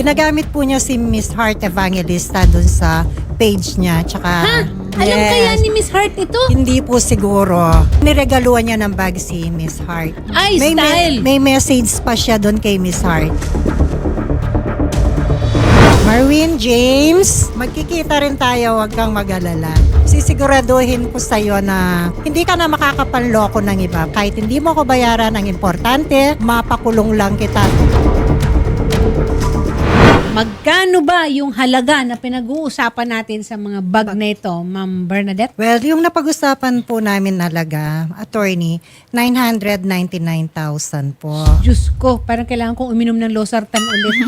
Ginagamit po niya si Miss Heart Evangelista dun sa page niya. Tsaka, Alam kaya ni Miss Heart ito? Hindi po siguro. Niregaluhan niya ng bag si Miss Heart. Ay, style! May message pa siya doon kay Miss Heart. Marwin James, magkikita rin tayo, wag kang mag-alala. Sisiguraduhin ko sa'yo na hindi ka na makakapanloko ng iba. Kahit hindi mo ko bayaran ang importante, mapakulong lang kita. Magkano ba yung halaga na pinag-uusapan natin sa mga bag na ito, Ma'am Bernadette? Well, yung napag-usapan po namin halaga, attorney, 999,000 po. Diyos ko, parang kailangan kong uminom ng losartan ulit.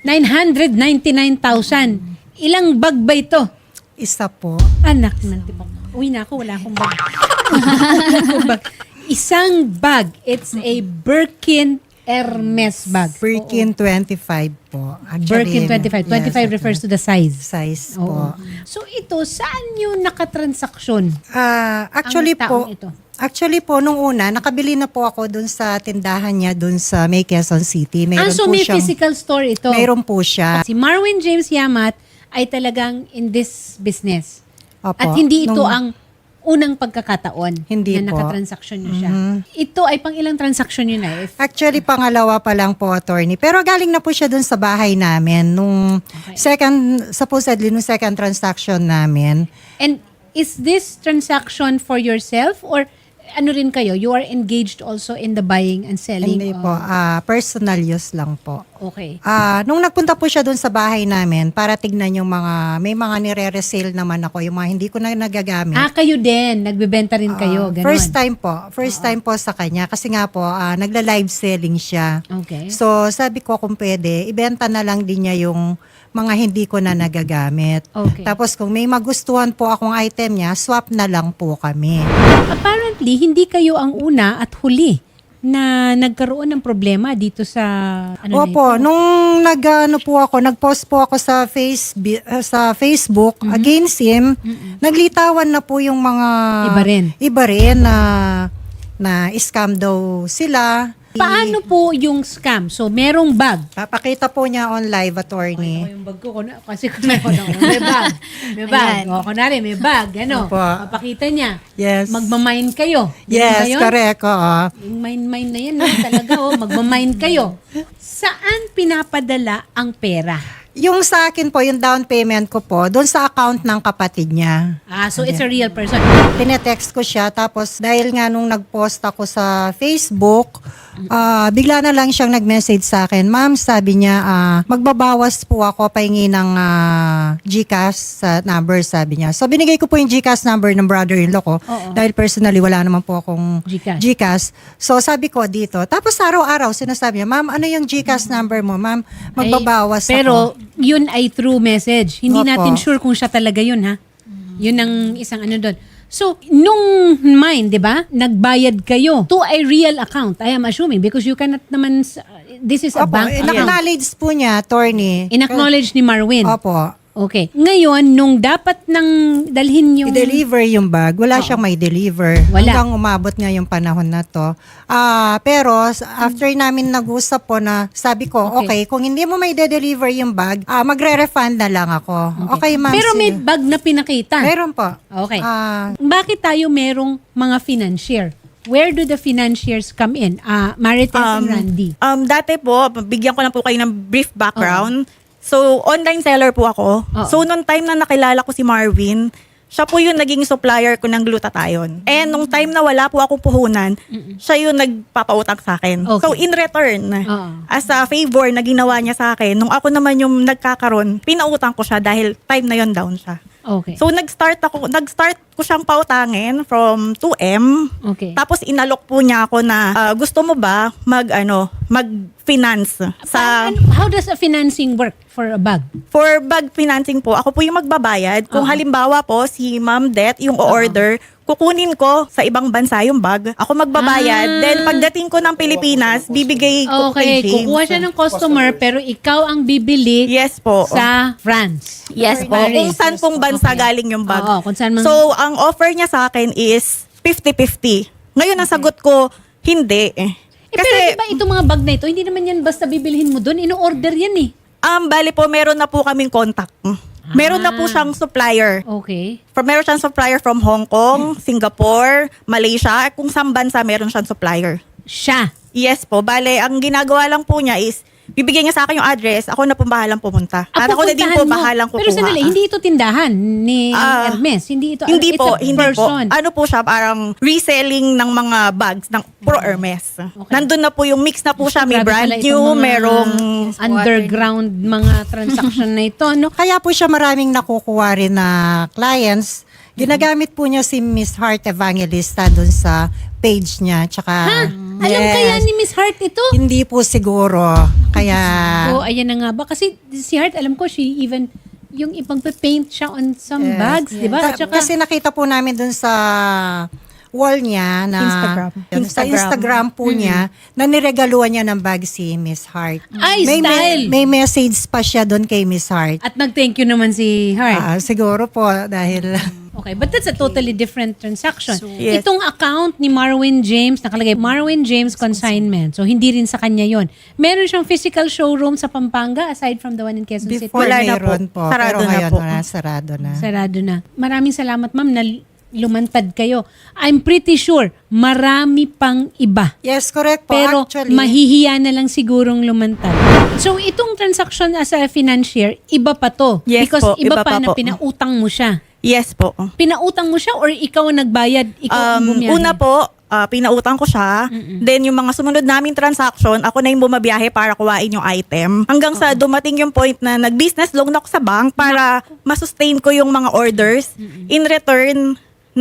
999,000. Ilang bag ba ito? Isa po. Anak ng tipong. Uwi na ako, wala akong bag. Wala akong bag. Isang bag. It's a Birkin Hermes bag. Birkin 25 po. Birkin 25. 25 refers to the size. Size Oo. po. So ito, saan yung nakatransaksyon? Actually ang taong po, ito? Actually po, nung una, nakabili na po ako dun sa tindahan niya dun sa May Quezon City. Meron So po may siyang- physical store ito. Meron po siya. Si Marwin James Yamat ay talagang in this business. Opo. At hindi ito Nung- ang unang pagkakataon Hindi na po. nakatransaksyon niyo siya. Ito ay pang ilang transaksyon niyo na? Actually, pangalawa pa lang po, attorney. Pero galing na po siya dun sa bahay namin. Nung supposedly, nung second transaction namin. And is this transaction for yourself or ano rin kayo? You are engaged also in the buying and selling? Hindi po. Personal use lang po. Okay. Nung nagpunta po siya dun sa bahay namin para tignan yung may mga nire-resale naman ako, yung mga hindi ko na nagagamit. Kayo din. Nagbebenta rin kayo. Ganon. First time po. First time po sa kanya. Kasi nga po, nagla-live selling siya. Okay. So, sabi ko kung pwede, ibenta na lang din niya yung mga hindi ko na nagagamit. Okay. Tapos kung may magustuhan po akong item niya, swap na lang po kami. Apparently, hindi kayo ang una at huli na nagkaroon ng problema dito sa Opo, nung nag-post po ako sa Facebook against him, naglitawan na po yung mga Iba rin. na scam daw sila. Paano po yung scam? So, merong bag. Papakita po niya on live, attorney. Yung bag ko, kasi may bag. May bag. O, kunwari, may bag. Ano? Opo. Papakita niya. Yes. Magmamine kayo. Ganun ba Yes, yun? correct. Oo. Yung mine na yan, talaga. Magmamine kayo. Saan pinapadala ang pera? Yung sa akin po, yung down payment ko po, doon sa account ng kapatid niya. So it's a real person. Tinetext ko siya, tapos dahil nga nung nag-post ako sa Facebook, bigla na lang siyang nag-message sa akin. Ma'am, sabi niya, magbabawas po ako, pahingi ng GCash sa number, sabi niya. So binigay ko po yung GCash number ng brother-in-law ko, dahil personally wala naman po akong GCash. So sabi ko dito, tapos araw-araw sinasabi niya, ma'am, ano yung GCash number mo? Ma'am, magbabawas Pero ako. yun ay through message. Hindi Opo. natin sure kung siya talaga yun, ha? Yun ang isang ano doon. So, nung mine, di ba, nagbayad kayo to a real account, I am assuming, because you cannot naman, this is a Opo, bank account. in-acknowledge po niya, attorney. In-acknowledge ni Marwin. Opo. Okay. Ngayon, nung dapat nang dalhin yung... I-deliver yung bag, wala siyang may deliver. Wala. Hanggang umabot nga yung panahon na to. Pero after namin nag-usap po na sabi ko, okay, kung hindi mo may de-deliver yung bag, magre-refund na lang ako. Okay, ma'am. Pero may sige. bag na pinakita. Meron po. Okay. Ah, Bakit tayo merong mga financier? Where do the financiers come in? Marites and Randy. Dati po, bigyan ko lang po kayo ng brief background. So, online seller po ako. So, nung time na nakilala ko si Marwin, siya po yung naging supplier ko ng glutathione. And nung time na wala po akong puhunan, siya yung nagpapautang sa akin. Okay. So, in return, Oo. as a favor na ginawa niya sa akin, nung ako naman yung nagkakaroon, pinautang ko siya dahil time na yon down siya. Okay. So, nag-start ko siyang pautangin from 2M. Okay. Tapos inalok po niya ako na gusto mo ba mag-finance sa How does a financing work for a bag? for bag financing po. Ako po yung magbabayad. Kung halimbawa po si Ma'am Det yung o-order, kukunin ko sa ibang bansa yung bag. Ako magbabayad. Then pagdating ko ng Pilipinas, bibigay ko Okay, kay James. kukuha siya ng customer pero ikaw ang bibili Yes po. sa France. Yes po. Kung saan pong bansa galing yung bag. Oo, kung saan man. So, ang offer niya sa akin is 50-50. Ngayon, ang sagot ko, hindi. Pero di ba itong mga bag na ito, hindi naman yan basta bibilhin mo doon, ino-order yan eh. Bali po, meron na po kaming contact. Meron na po siyang supplier. Okay. Meron siyang supplier from Hong Kong, Singapore, Malaysia. Kung saan bansa meron siyang supplier. Siya. Yes po. Bale, ang ginagawa lang po niya is, bibigyan niya sa akin yung address, ako na po bahalang pumunta. At ako na din po pupuntahan mo. bahalang kukuha. Pero sandali, hindi ito tindahan ni Hermes. Hindi ito, Hindi it's po, a hindi person. po. Ano po siya, parang reselling ng mga bags ng Pro Hermes. Okay. Nandun na po yung mix na po siya. May Grabe brand pala new, itong mga merong... underground mga transaction na ito, no? Kaya po siya maraming nakukuha rin na clients. Ginagamit po niya si Miss Heart Evangelista dun sa page niya. Tsaka, Alam kaya ni Miss Hart ito? Hindi po siguro. Kaya, Oh, ayan na nga ba? Kasi si Hart, alam ko, she even, yung ipag-paint siya on some bags, di ba? At saka, kasi nakita po namin dun sa wall niya na sa Instagram po niya na niregaluhan niya ng bag si Miss Heart. Ay, style! May message pa siya doon kay Miss Heart. at nag-thank you naman si Hart. Siguro po dahil Okay, but that's a totally different transaction. Yes. Itong account ni Marwin James, nakalagay Marwin James Consignment. So, hindi rin sa kanya yon. Meron siyang physical showroom sa Pampanga aside from the one in Quezon City. before Wala na meron po. po. Sarado Pero na ngayon po. wala, sarado na. Sarado na. Maraming salamat, ma'am, na lumantad kayo. I'm pretty sure marami pang iba. Yes, correct po. Pero Actually, mahihiya na lang sigurong lumantad. So, itong transaction as a financier, iba pa to. Yes Because po, iba, iba pa pa na po. pinautang mo siya. Yes po. Pinautang mo siya or ikaw ang nagbayad? Ikaw ang bumiyahe? Una po, pinautang ko siya. Then yung mga sumunod naming transaction, ako na yung bumabiyahe para kuhain yung item. Hanggang sa dumating yung point na nag-business loan ako sa bank para masustain ko yung mga orders. In return,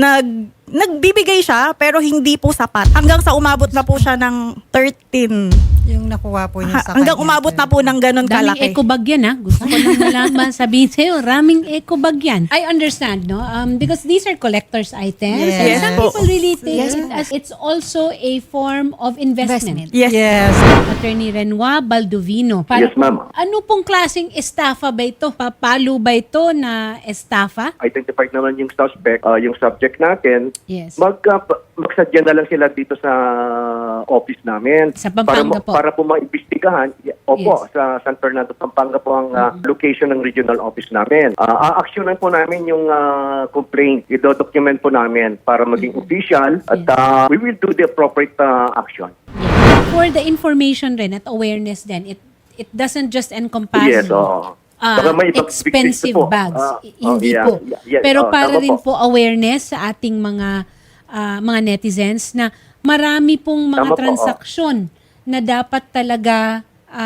nagbibigay siya pero hindi po sapat. Hanggang sa umabot na po siya ng 13. yung nakuha po niya sa Hanggang kanya. umabot na po ng ganun Daming kalaki. eco bag yan, ha? Gusto ko lang malaman, sabihin sa'yo, raming eco bag yan. I understand, no? Because these are collector's items. Yes. And Yes some po. people really take it as it's also a form of investment. Yes. Yes. Attorney Renoir Baldovino. Yes, ma'am. Ano pong klaseng estafa ba ito? Papalo ba ito na estafa? Identified naman yung suspect, yung subject natin. Yes. Magsadya na lang sila dito sa office namin. Sa Pampanga po. Para po maimbestigahan. Opo, Yes. sa San Fernando, Pampanga po ang location ng regional office namin. A-actionan po namin yung complaint. I-document po namin para maging official at we will do the appropriate action. For the information rin at awareness din, it doesn't just encompass Yes, Baka may ibang expensive victims po. bags. Hindi yeah, po. yeah, Pero para tama rin po. po awareness sa ating mga netizens na marami pong mga Tama po, transaksyon na dapat talaga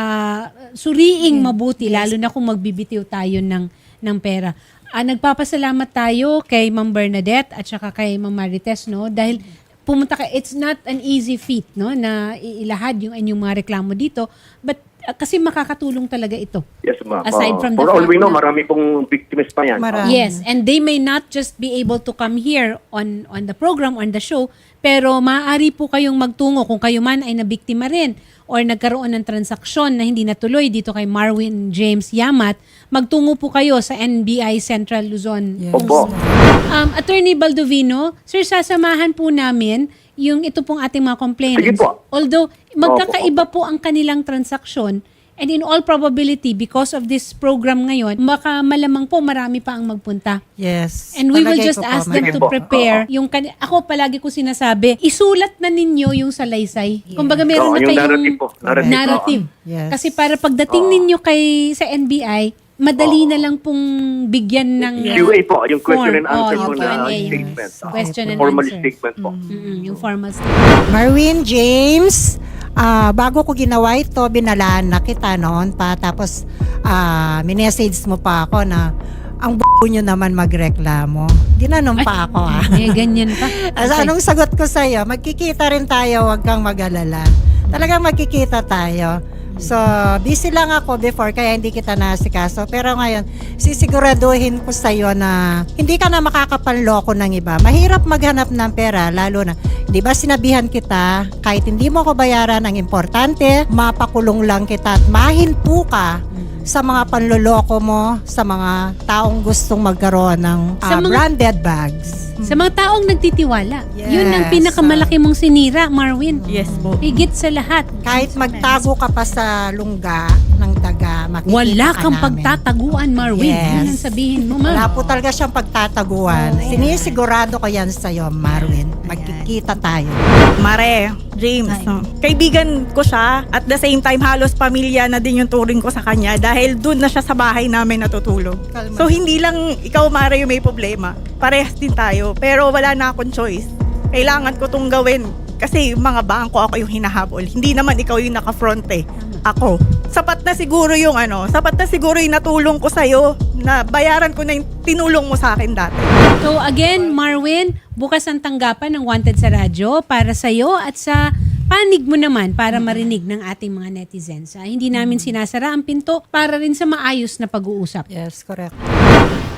suriing mabuti, lalo na kung magbibitiw tayo ng pera. Nagpapasalamat tayo kay Ma'am Bernadette at saka kay Ma'am Marites, no? Dahil pumunta ka, it's not an easy feat, no? Na ilahad yung inyong mga reklamo dito. But kasi makakatulong talaga ito. Yes, ma'am. Aside from the For all fact we know, na- marami pong victims pa yan. Marami. Yes, and they may not just be able to come here on the program, on the show, pero maaari po kayong magtungo kung kayo man ay nabiktima rin or nagkaroon ng transaksyon na hindi natuloy dito kay Marwin James Yamat, magtungo po kayo sa NBI Central Luzon. Yes. Opo. Attorney Baldovino, sir, sasamahan po namin yung ito pong ating mga complainants. Sige po. Although, magkakaiba po ang kanilang transaksyon, and in all probability, because of this program ngayon, baka malamang po marami pa ang magpunta. Yes. And we will Palagay just ko po, ask them Sige to po. prepare yung ako palagi ko sinasabi, isulat na ninyo yung salaysay. Kumbaga meron na Yung kayong narrative po. Narrative. Yes. Kasi para pagdating ninyo sa NBI, madali na lang pong bigyan ng QA po, yung question and answer yung po na Q&A. statement. Question and Formal answer. statement po. Yung formal statement. Marwin James, bago ko ginawa ito, binalaan na kita noon pa. Tapos, minessage mo pa ako na ang nyo naman magreklamo. Ginanon pa ako Ganyan pa. Anong sagot ko sa'yo? Magkikita rin tayo, wag kang mag-alala. Talagang magkikita tayo. So, busy lang ako before kaya hindi kita nasikaso. Pero ngayon, sisiguraduhin ko sa'yo na hindi ka na makakapanloko ng iba. Mahirap maghanap ng pera, lalo na, di ba sinabihan kita, kahit hindi mo ko bayaran ang importante, mapakulong lang kita at mahinto ka sa mga panloloko mo, sa mga taong gustong magkaroon ng Sa mga- branded bags. Sa mga taong nagtitiwala. Yes. Yun ang pinakamalaki mong sinira, Marwin. Yes po. Higit sa lahat. Kahit magtago ka pa sa lungga ng daga, makikita Wala ka kang namin. pagtataguan, Marwin. Yes. Yan ang sabihin mo, ma'am. Wala po talaga siyang pagtataguan. Sinisigurado ko yan sa'yo, Marwin. Magkikita tayo. Mare, James, no? Kaibigan ko siya at the same time halos pamilya na din yung turing ko sa kanya dahil doon na siya sa bahay namin natutulog. Kalma. So hindi lang ikaw, Mare, yung may problema. Parehas din tayo. Pero wala na akong choice. Kailangan ko tong gawin kasi yung mga bangko ako yung hinahabol. Hindi naman ikaw yung naka-front eh. Ako. Sapat na siguro yung natulong ko sa'yo na bayaran ko na yung tinulong mo sa akin dati. So again, Marwin, bukas ang tanggapan ng Wanted sa radyo para sa iyo at sa panig mo naman para marinig ng ating mga netizens. Hindi namin sinasara ang pinto para rin sa maayos na pag-uusap. Yes, correct.